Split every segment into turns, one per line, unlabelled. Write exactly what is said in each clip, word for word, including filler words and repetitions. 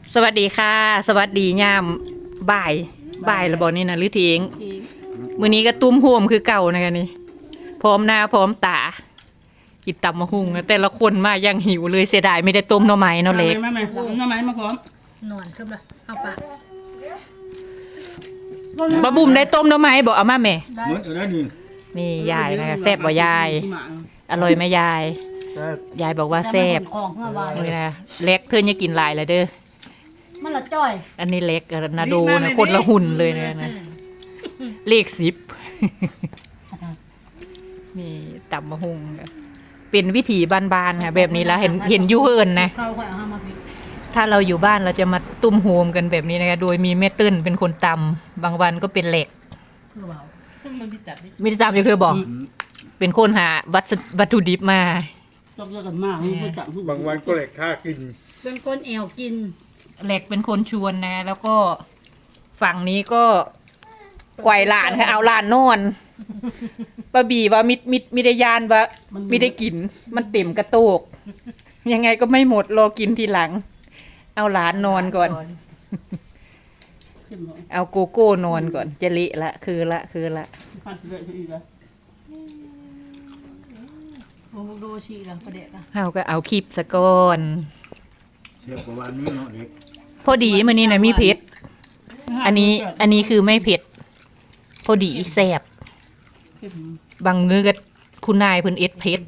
สวัสดีค่ะ สวัสดียามบ่ายบ่ายระบอกนี่นะหรือเทียงมื้อนี้ก็ตุ้มโฮมคือเก่านะคะนี่พร้อมหน้าพร้อมตากินตำมะฮุ่งแต่ละคนมายังหิวเลยเสียดายไม่ได้ต้มหน่อไม้เนาะเล็ก
มาไหมมาไหมมาพร้อม
นอนขึ้นละเอาปะ
บะบุ่มได้ต้มหน่อไม้บอกเอามาแม่
เหมือนอะไรนี่
นี่ยายนะคะแซ่บบ่ยาย อร่อยไหมยาย ยายบอกว่าแซ่บ
ของเมื่อวาน
นี่นะเล็กเธออย่ากินหลายเลยเด้อ
มันละจ้อย
อันนี้เล็กกับนาโดนะคนละหุ่นเลยนะนะเลขสิบ นี่ตำมะฮุงค่ะเป็นวิถีบ้านๆค่ะแบบนี้แล้วเห็นเห็นอยูเอินนะ
เข้าค่อยเอามาพิ
ถ้าเราอยู่บ้านเราจะมาตุ้มโฮมกันแบบนี้นะคะโดยมีแม่ตื้นเป็นคนตำบางวันก็เป็นเหล็ก
เพื่อเบา
ไม่ได้ตำอย่างเธอบอก เป็นคนหาวัตถุวัตถุดิบมา
ต้องเลิกกันมากไม่จับ
บางวันก็เหล็กค่ากิน
เป็นคนแอวกิน
เหล็กเป็นคนชวนนะ แล้วก็ฝั่งนี้ก็ไกวหลานค่ะเอาหลานนอนปะบีว่ามิดมิดมิได้ยานว่ามิได้กิน มันเต็มกระโตก ยังไงก็ไม่หมดรอกินทีหลัง เอาหลานนอนก่อน เอาโกโก้นอนก่อนจะเละละคือละคือละ
พันเลยทีละ
โอ้โดชีละประเดะละ
เอาก็เอาคลิปสะก่อน
เที่ยวกว่าวันนี้เนาะเด็ก
พอดีมื้อนี้นะมีเผ็ดอันนี้อันนี้คือไม่เผ็ด พอดีแซ่บบางมื้อก็คุณนายเพิ่นเอ็ดเผ็ด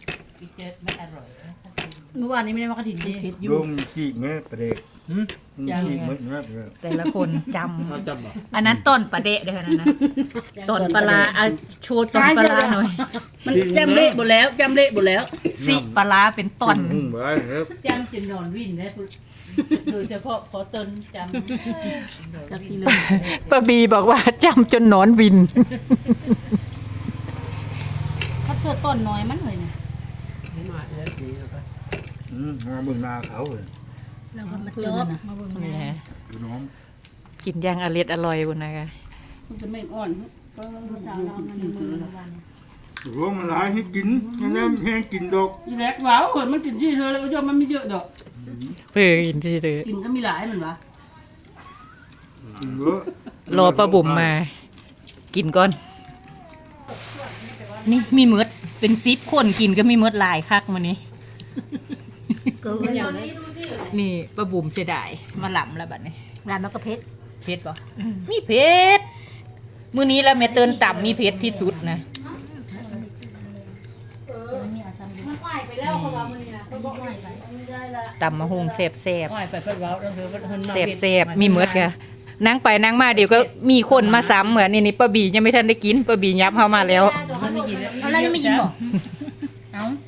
เมื่อวานนี้ไม่ได้มากระถิ่นดิ
โยมมีขี้เงี้ยประเด็กมีขี้เงี้ยเงี้ยเลย
แต่ละคนจำอันนั้นต้นปลาเดะเด้อนะนะต้นปลาร้าเอาโชว์ต้นปลาร้าหน่อย
มันจำเละหมดแล้วจำเละหมดแล้ว
สิปลาร้าเป็นต้น
หุ่งไว้ครับ
จำจนนอนวิ่นนะโดยเฉพาะขอตนจำ
จักซีเลย
ป้าบีบอกว่าจำจนหนอนวิน
เขาเจอต้นน้อยมันเลยนะ
อืมมาบึงนาเขาเลย
เราก็มาจบมาเบิ่ง
นี่
นะ
ฮะ
ดูน้อง
กินย่างอร่อยอร่อยคุณนะคะ
มันจะไม่อ่อน
ลูกสาวเรามันในมือเมื่อวาน
ถือว่ามันหลายให้กินยังไงแห้งกินดอก
ยีแรกว้าวมันกินที่เธอแล้วยอมมันไม่เยอะดอก
เพื่อกินที่เดือ
กินก็มีหลายมันวะ
กินเยอะ
รอป้าบุ๋มมา กินก่อน นี่มีมดเป็นซิปคนกินก็มีมดหลายคักมานี้
เกินอย่างนี้
นี่ป้าบุ๋มเสียดายมาหล่ำแล้วบัดนี้
ร้านมันก็เพชร
เพชรป่ะมีเพชรมื้อนี้แล้วแม่เตือนต่ำมีเพชรที่สุดนะ
มันไหวไปแล้วเขาว่ามันนี่นะเขาบอกไหวไปไม่ได้ละ
ต่ำมะฮงแซ่บแซ่บ
อ้อยไปเพิ่นเว้าแล้วเธอเพิ่นเพิ่นมา
แซ่บแซ่บมีมดค่ะนั่งไปนั่งมาเดี๋ยวก็มีคนมาซ้ำเหมือนนี่นี่ป้าบียังไม่ทันได้กินป้าบียับเข้ามาแล้ว
เอาแล้วจะไม่กินบอก